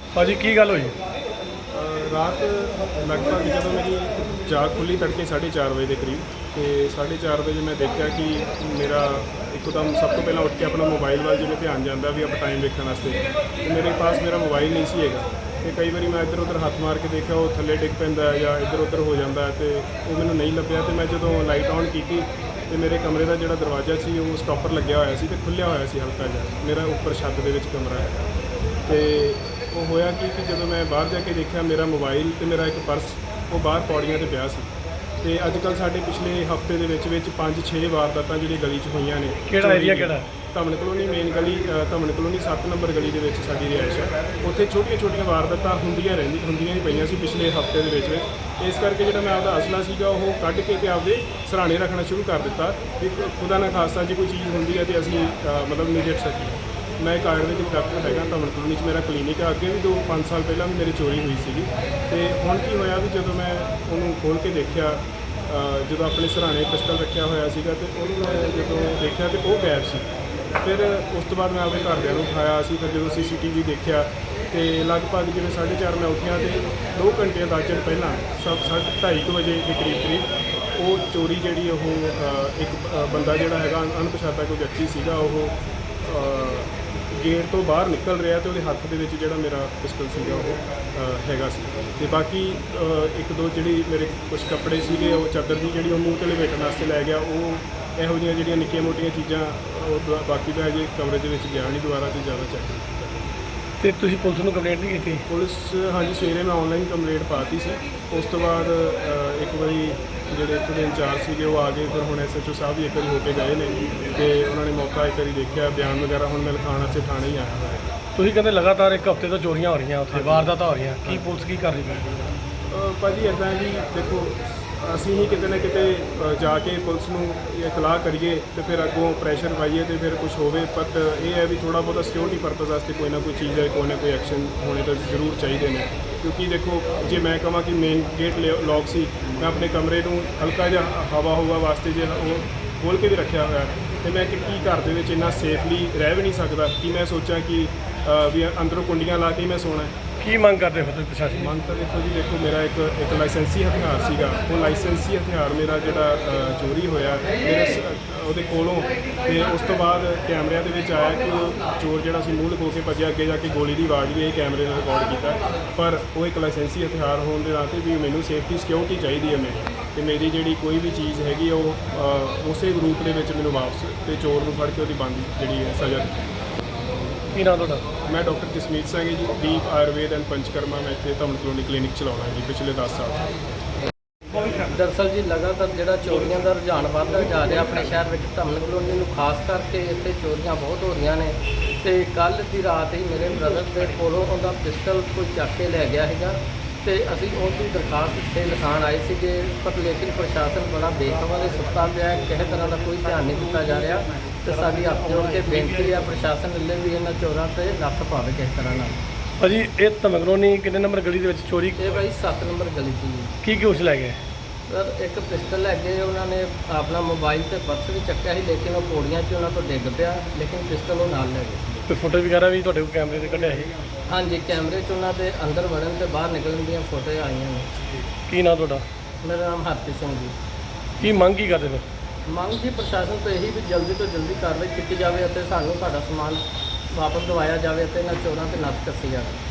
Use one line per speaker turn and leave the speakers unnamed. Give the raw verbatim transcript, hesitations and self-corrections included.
ਭਾਜੀ ਕੀ ਗੱਲ ਹੋਈ?
ਰਾਤ ਲਗਭਗ ਜਦੋਂ ਮੇਰੀ ਜਾਗ ਖੁੱਲੀ ਤੜਕੇ ਸਾਢੇ ਚਾਰ ਵਜੇ ਦੇ ਕਰੀਬ, ਤੇ ਸਾਢੇ ਚਾਰ ਵਜੇ ਮੈਂ ਦੇਖਿਆ ਕਿ ਮੇਰਾ ਇੱਕਦਮ ਸਭ ਤੋਂ ਪਹਿਲਾਂ ਉੱਠ ਕੇ ਆਪਣਾ ਮੋਬਾਈਲ ਵੱਲ ਜਿਵੇਂ ਧਿਆਨ ਜਾਂਦਾ ਵੀ ਆਪਾਂ ਟਾਈਮ ਵੇਖਣ ਵਾਸਤੇ, ਤੇ ਮੇਰੇ ਪਾਸ ਮੇਰਾ ਮੋਬਾਈਲ ਨਹੀਂ ਸੀ ਹੈਗਾ। ਤੇ ਕਈ ਵਾਰੀ ਮੈਂ ਇੱਧਰ ਉੱਧਰ ਹੱਥ ਮਾਰ ਕੇ ਦੇਖਿਆ, ਉਹ ਥੱਲੇ ਡਿੱਗ ਪੈਂਦਾ ਜਾਂ ਇੱਧਰ ਉੱਧਰ ਹੋ ਜਾਂਦਾ, ਤੇ ਉਹ ਮੈਨੂੰ ਨਹੀਂ ਲੱਭਿਆ। ਤੇ ਮੈਂ ਜਦੋਂ ਲਾਈਟ ਔਨ ਕੀਤੀ ਤੇ ਮੇਰੇ ਕਮਰੇ ਦਾ ਜਿਹੜਾ ਦਰਵਾਜ਼ਾ ਸੀ ਉਹ ਸਟਾਪਰ ਲੱਗਿਆ ਹੋਇਆ ਸੀ ਤੇ ਖੁੱਲ੍ਹਿਆ ਹੋਇਆ ਸੀ ਹਲਕਾ ਜਿਹਾ। ਮੇਰਾ ਉੱਪਰ ਛੱਤ ਦੇ ਵਿੱਚ ਕਮਰਾ ਹੈ, ਤੇ ਉਹ ਹੋਇਆ ਕਿ ਕਿ ਜਦੋਂ ਮੈਂ ਬਾਹਰ ਜਾ ਕੇ ਦੇਖਿਆ, ਮੇਰਾ ਮੋਬਾਈਲ ਤੇ ਮੇਰਾ ਇੱਕ ਪਰਸ ਉਹ ਬਾਹਰ ਪੌੜੀਆਂ 'ਤੇ ਪਿਆ ਸੀ। ਤੇ ਅੱਜ ਕੱਲ੍ਹ ਸਾਡੇ ਪਿਛਲੇ ਹਫ਼ਤੇ ਦੇ ਵਿੱਚ ਵਿੱਚ ਪੰਜ ਛੇ ਵਾਰਦਾਤਾਂ ਜਿਹੜੀਆਂ ਗਲੀ 'ਚ ਹੋਈਆਂ ਨੇ।
ਕਿਹੜਾ ਏਰੀਆ ਕਿਹੜਾ?
ਧਮਨ ਕਲੋਨੀ ਮੇਨ ਗਲੀ, ਧਮਨ ਕਲੋਨੀ ਸੱਤ ਨੰਬਰ ਗਲੀ ਦੇ ਵਿੱਚ ਸਾਡੀ ਰਿਹਾਇਸ਼ ਹੈ। ਉੱਥੇ ਛੋਟੀਆਂ ਛੋਟੀਆਂ ਵਾਰਦਾਤਾਂ ਹੁੰਦੀਆਂ ਰਹਿੰਦੀ ਹੁੰਦੀਆਂ ਹੀ ਪਈਆਂ ਸੀ ਪਿਛਲੇ ਹਫ਼ਤੇ ਦੇ ਵਿੱਚ ਵਿੱਚ। ਇਸ ਕਰਕੇ ਜਿਹੜਾ ਮੈਂ ਆਪਦਾ ਅਸਲਾ ਸੀਗਾ ਉਹ ਕੱਢ ਕੇ ਤੇ ਆਪਦੇ ਸਰਾਣੇ ਰੱਖਣਾ ਸ਼ੁਰੂ ਕਰ ਦਿੱਤਾ ਵੀ ਖੁਦਾ ਨਾ ਖਾਸਤਾ ਜੇ ਕੋਈ ਚੀਜ਼ ਹੁੰਦੀ ਹੈ ਤੇ ਅਸੀਂ ਮਤਲਬ ਨਿਜਟ ਸਕੀਏ। ਮੈਂ ਇੱਕ ਆਯੁਰਵੈਦਿਕ ਡਾਕਟਰ ਹੈਗਾ, ਧਮਨ ਕਲੋਨੀ 'ਚ ਮੇਰਾ ਕਲੀਨਿਕ ਹੈ। ਅੱਗੇ ਵੀ ਦੋ ਪੰਜ ਸਾਲ ਪਹਿਲਾਂ ਵੀ ਮੇਰੀ ਚੋਰੀ ਹੋਈ ਸੀਗੀ। ਤੇ ਹੁਣ ਕੀ ਹੋਇਆ ਵੀ ਜਦੋਂ ਮੈਂ ਉਹਨੂੰ ਖੋਲ੍ਹ ਕੇ ਦੇਖਿਆ, ਜਦੋਂ ਆਪਣੇ ਸਰਾਣੇ ਪਿਸਟਲ ਰੱਖਿਆ ਹੋਇਆ ਸੀਗਾ, ਤੇ ਉਹਨੂੰ ਮੈਂ ਜਦੋਂ ਦੇਖਿਆ ਤੇ ਉਹ ਗਾਇਬ ਸੀ। ਫਿਰ ਉਸ ਤੋਂ ਬਾਅਦ ਮੈਂ ਆਪਣੇ ਘਰਦਿਆਂ ਨੂੰ ਉਠਾਇਆ ਸੀ। ਫਿਰ ਜਦੋਂ ਸੀ ਸੀ ਟੀ ਵੀ ਦੇਖਿਆ ਤੇ ਲਗਭਗ ਜਿਵੇਂ ਸਾਢੇ ਚਾਰ ਮੈਂ ਉੱਠਿਆ ਤੇ ਦੋ ਘੰਟੇ ਅੰਦਾਜ਼ਨ ਪਹਿਲਾਂ ਸਭ ਸਾਢੇ ਢਾਈ ਕੁ ਵਜੇ ਦੇ ਕਰੀਬ ਕਰੀਬ ਉਹ ਚੋਰੀ ਜਿਹੜੀ ਉਹ ਇੱਕ ਬੰਦਾ ਜਿਹੜਾ ਹੈਗਾ ਅਣਪਛਾਤਾ ਕੋਈ ਵਿਅਕਤੀ ਸੀਗਾ, ਉਹ ਗੇਟ ਤੋਂ ਬਾਹਰ ਨਿਕਲ ਰਿਹਾ ਤੇ ਉਹਦੇ ਹੱਥ ਦੇ ਵਿੱਚ ਜਿਹੜਾ ਮੇਰਾ ਪਿਸਟਲ ਸੀਗਾ ਉਹ ਹੈਗਾ ਸੀ। ਤੇ ਬਾਕੀ ਇੱਕ ਦੋ ਜਿਹੜੀ ਮੇਰੇ ਕੁਝ ਕੱਪੜੇ ਸੀਗੇ, ਉਹ ਚਾਦਰ ਦੀ ਜਿਹੜੀ ਉਹ ਮੂੰਹ ਤੇ ਲਪੇਟਣ ਵਾਸਤੇ ਲੈ ਗਿਆ। ਉਹ ਇਹੋ ਜਿਹੀਆਂ ਜਿਹੜੀਆਂ ਨਿੱਕੀਆਂ ਮੋਟੀਆਂ ਚੀਜ਼ਾਂ ਉਹ ਬਾਕੀ ਤਾਂ ਅਜੇ ਕਮਰੇ ਦੇ ਵਿੱਚ ਗਿਆ ਨਹੀਂ ਦੁਬਾਰਾ ਤੇ ਜ਼ਿਆਦਾ ਚੈੱਕ ਨਹੀਂ ਕੀਤਾ।
ਤੇ ਤੁਸੀਂ ਪੁਲਿਸ ਨੂੰ ਕੰਪਲੇਂਟ ਨਹੀਂ ਕੀਤੀ?
ਪੁਲਿਸ ਹਾਂਜੀ ਸਵੇਰੇ ਮੈਂ ਆਨਲਾਈਨ ਕੰਪਲੇਂਟ ਪਾਤੀ ਸੀ। ਉਸ ਤੋਂ ਬਾਅਦ ਇੱਕ ਵਾਰੀ ਜਿਹੜੇ ਇੱਥੋਂ ਦੇ ਇੰਚਾਰਜ ਸੀਗੇ ਉਹ ਆ ਗਏ। ਫਿਰ ਹੁਣ ਐਸ ਐਚ ਓ ਸਾਹਿਬ ਵੀ ਇੱਕ ਵਾਰੀ ਹੋ ਕੇ ਗਏ ਨੇ ਤੇ ਉਹਨਾਂ ਨੇ ਮੌਕਾ ਇੱਕ ਵਾਰੀ ਦੇਖਿਆ, ਬਿਆਨ ਵਗੈਰਾ ਹੁਣ ਮੈਂ ਲਿਖਾਉਣ ਵਾਸਤੇ ਥਾਣੇ ਹੀ ਆਇਆ ਹੋਇਆ।
ਤੁਸੀਂ ਕਹਿੰਦੇ ਲਗਾਤਾਰ ਇੱਕ ਹਫ਼ਤੇ ਤੋਂ ਚੋਰੀਆਂ ਹੋ ਰਹੀਆਂ, ਉੱਥੇ ਵਾਰਦਾਤਾਂ ਹੋ ਰਹੀਆਂ, ਕੀ ਪੁਲਿਸ ਕੀ ਕਰ ਰਹੀ ਹੈ?
ਭਾਜੀ ਇੱਦਾਂ ਜੀ ਦੇਖੋ, ਅਸੀਂ ਹੀ ਕਿਤੇ ਨਾ ਕਿਤੇ ਜਾ ਕੇ ਪੁਲਿਸ ਨੂੰ ਇਤਲਾਹ ਕਰੀਏ ਤੇ ਫਿਰ ਅੱਗੋਂ ਪ੍ਰੈਸ਼ਰ ਪਾਈਏ ਤੇ ਫਿਰ ਕੁਝ ਹੋਵੇ। ਬਟ ਇਹ ਹੈ ਵੀ ਥੋੜ੍ਹਾ ਬਹੁਤਾ ਸਿਕਿਉਰਿਟੀ ਪਰਪਸ ਵਾਸਤੇ ਕੋਈ ਨਾ ਕੋਈ ਚੀਜ਼ ਹੈ, ਕੋਈ ਨਾ ਕੋਈ ਐਕਸ਼ਨ ਹੋਣੇ ਤਾਂ ਜ਼ਰੂਰ ਚਾਹੀਦੇ ਨੇ। ਕਿਉਂਕਿ ਦੇਖੋ, ਜੇ ਮੈਂ ਕਹਾਂ ਕਿ ਮੇਨ ਗੇਟ ਲੌਕ ਸੀ, ਮੈਂ ਆਪਣੇ ਕਮਰੇ ਨੂੰ ਹਲਕਾ ਜਿਹਾ ਹਵਾ ਹਵਾ ਵਾਸਤੇ ਜੇ ਉਹ ਖੋਲ੍ਹ ਕੇ ਵੀ ਰੱਖਿਆ ਹੋਇਆ, ਤੇ ਮੈਂ ਕਿ ਕੀ ਘਰ ਦੇ ਵਿੱਚ ਇੰਨਾ ਸੇਫਲੀ ਰਹਿ ਵੀ ਨਹੀਂ ਸਕਦਾ ਕਿ ਮੈਂ ਸੋਚਾਂ ਕਿ ਵੀ ਅੰਦਰੋਂ ਕੁੰਡੀਆਂ ਲਾ ਕੇ ਹੀ ਮੈਂ ਸੋਣਾ।
ਕੀ ਮੰਗ ਕਰਦੇ ਹੋ ਤੁਸੀਂ ਪ੍ਰਸ਼ਾਸਨ?
ਮੰਗ ਤਾਂ ਦੇਖੋ ਜੀ, ਦੇਖੋ ਮੇਰਾ ਇੱਕ ਇੱਕ ਲਾਇਸੈਂਸੀ ਹਥਿਆਰ ਸੀਗਾ, ਉਹ ਲਾਇਸੈਂਸੀ ਹਥਿਆਰ ਮੇਰਾ ਜਿਹੜਾ ਚੋਰੀ ਹੋਇਆ ਮੇਰੇ ਉਹਦੇ ਕੋਲੋਂ। ਤੇ ਉਸ ਤੋਂ ਬਾਅਦ ਕੈਮਰਿਆਂ ਦੇ ਵਿੱਚ ਆਇਆ ਕਿ ਉਹ ਚੋਰ ਜਿਹੜਾ ਸੀ ਮੂੰਹ ਲੁਕੋ ਕੇ ਭੱਜਿਆ, ਅੱਗੇ ਜਾ ਕੇ ਗੋਲੀ ਦੀ ਆਵਾਜ਼ ਵੀ ਇਹ ਕੈਮਰੇ ਨੇ ਰਿਕਾਰਡ ਕੀਤਾ। ਪਰ ਉਹ ਇੱਕ ਲਾਇਸੈਂਸੀ ਹਥਿਆਰ ਹੋਣ ਦੇ ਨਾਤੇ ਵੀ ਮੈਨੂੰ ਸੇਫਟੀ ਸਿਕਿਉਰਿਟੀ ਚਾਹੀਦੀ ਹੈ ਮੇਰੀ, ਤੇ ਮੇਰੀ ਜਿਹੜੀ ਕੋਈ ਵੀ ਚੀਜ਼ ਹੈਗੀ ਉਹ ਉਸੇ ਰੂਪ ਦੇ ਵਿੱਚ ਮੈਨੂੰ ਵਾਪਸ ਤੇ ਚੋਰ ਨੂੰ ਫੜ ਕੇ ਉਹਦੀ ਬੰਦੀ ਜਿਹੜੀ ਹੈ ਸਜ਼ਾ ਦਿੱਤੀ।
ਕੀ ਨਾਮ ਤੁਹਾਡਾ?
ਮੈਂ ਡਾਕਟਰ ਜਸਮੀਤ ਸਿੰਘ ਜੀ, ਦੀਪ ਆਯੁਰਵੇਦ ਐਂਡ ਪੰਚਕਰਮਾ। ਮੈਂ ਇੱਥੇ ਧਮਨ ਕਲੋਨੀ ਕਲੀਨਿਕ ਚਲਾਉਣਾ ਜੀ ਪਿਛਲੇ ਦਸ ਸਾਲ।
ਦਰਅਸਲ ਜੀ ਲਗਾਤਾਰ ਜਿਹੜਾ ਚੋਰੀਆਂ ਦਾ ਰੁਝਾਨ ਵੱਧਦਾ ਜਾ ਰਿਹਾ ਆਪਣੇ ਸ਼ਹਿਰ ਵਿੱਚ, ਧਮਨ ਕਲੋਨੀ ਨੂੰ ਖਾਸ ਕਰਕੇ ਇੱਥੇ ਚੋਰੀਆਂ ਬਹੁਤ ਹੋ ਰਹੀਆਂ ਨੇ। ਤੇ ਕੱਲ੍ਹ ਦੀ ਰਾਤ ਹੀ ਮੇਰੇ ਬ੍ਰਦਰ ਦੇ ਕੋਲੋਂ ਉਹਦਾ ਪਿਸਟਲ ਕੋਈ ਚੱਕ ਕੇ ਲੈ ਗਿਆ ਹੈਗਾ, ਤੇ ਅਸੀਂ ਉਹਦੀ ਦਰਖਾਸਤ ਇੱਥੇ ਲਿਖਾਉਣ ਆਏ ਸੀਗੇ। ਪਰ ਲੇਕਿਨ ਪ੍ਰਸ਼ਾਸਨ ਬੜਾ ਬੇਖਬਰ ਹੈ, ਸੁੱਤਾ ਪਿਆ, ਕਿਸੇ ਤਰ੍ਹਾਂ ਦਾ ਕੋਈ ਧਿਆਨ ਨਹੀਂ ਦਿੱਤਾ ਜਾ ਰਿਹਾ। ਤੇ ਸਾਡੀ ਹੱਥ ਜੋੜ ਕੇ ਬੇਨਤੀ ਹੈ ਪ੍ਰਸ਼ਾਸਨ ਵੱਲੋਂ ਵੀ ਇਹਨਾਂ ਚੋਰਾਂ 'ਤੇ ਨੱਥ ਪਾਵੇ ਕਿਸੇ ਤਰ੍ਹਾਂ ਨਾਲ।
ਭਾਜੀ ਇਹ ਧਮਨ ਕਲੋਨੀ ਕਿੰਨੇ ਨੰਬਰ ਗਲੀ ਦੇ ਵਿੱਚ ਚੋਰੀ?
ਇਹ ਭਾਈ ਸੱਤ ਨੰਬਰ ਗਲੀ 'ਚ ਜੀ।
ਕੀ ਕੀ ਉਸ ਲੈ ਗਏ?
ਸਰ ਇੱਕ ਪਿਸਟਲ ਲੈ ਗਏ, ਉਹਨਾਂ ਨੇ ਆਪਣਾ ਮੋਬਾਈਲ ਤੇ ਪਰਸ ਵੀ ਚੱਕਿਆ ਸੀ, ਲੇਕਿਨ ਉਹ ਪੌੜੀਆਂ 'ਚ ਉਹਨਾਂ ਤੋਂ ਡਿੱਗ ਪਿਆ, ਲੇਕਿਨ ਪਿਸਟਲ ਉਹ ਨਾਲ ਲੈ ਗਏ ਸੀ।
ਕੋਈ ਫੋਟੋ ਵਗੈਰਾ ਵੀ ਤੁਹਾਡੇ ਕੋਲ ਕੈਮਰੇ 'ਤੇ ਕੱਢਿਆ ਸੀ?
ਹਾਂਜੀ, ਕੈਮਰੇ 'ਚ ਉਹਨਾਂ ਦੇ ਅੰਦਰ ਵੜਨ ਤੇ ਬਾਹਰ ਨਿਕਲਣ ਦੀਆਂ ਫੋਟੋ ਆਈਆਂ ਨੇ।
ਕੀ ਨਾਮ ਤੁਹਾਡਾ?
ਮੇਰਾ ਨਾਮ ਹਰਪ੍ਰੀਤ ਸਿੰਘ ਜੀ।
ਕੀ ਮੰਗ ਕੀ ਕਰਦੇ ਫਿਰ?
ਮੰਗ ਜੀ ਪ੍ਰਸ਼ਾਸਨ ਤੋਂ ਇਹੀ ਵੀ ਜਲਦੀ ਤੋਂ ਜਲਦੀ ਕਾਰਵਾਈ ਕੀਤੀ ਜਾਵੇ ਅਤੇ ਸਾਨੂੰ ਸਾਡਾ ਸਮਾਨ ਵਾਪਸ ਦਿਵਾਇਆ ਜਾਵੇ ਅਤੇ ਇਹਨਾਂ ਚੋਰਾਂ 'ਤੇ ਨੱਥ ਕੱਸੀ ਜਾਵੇ।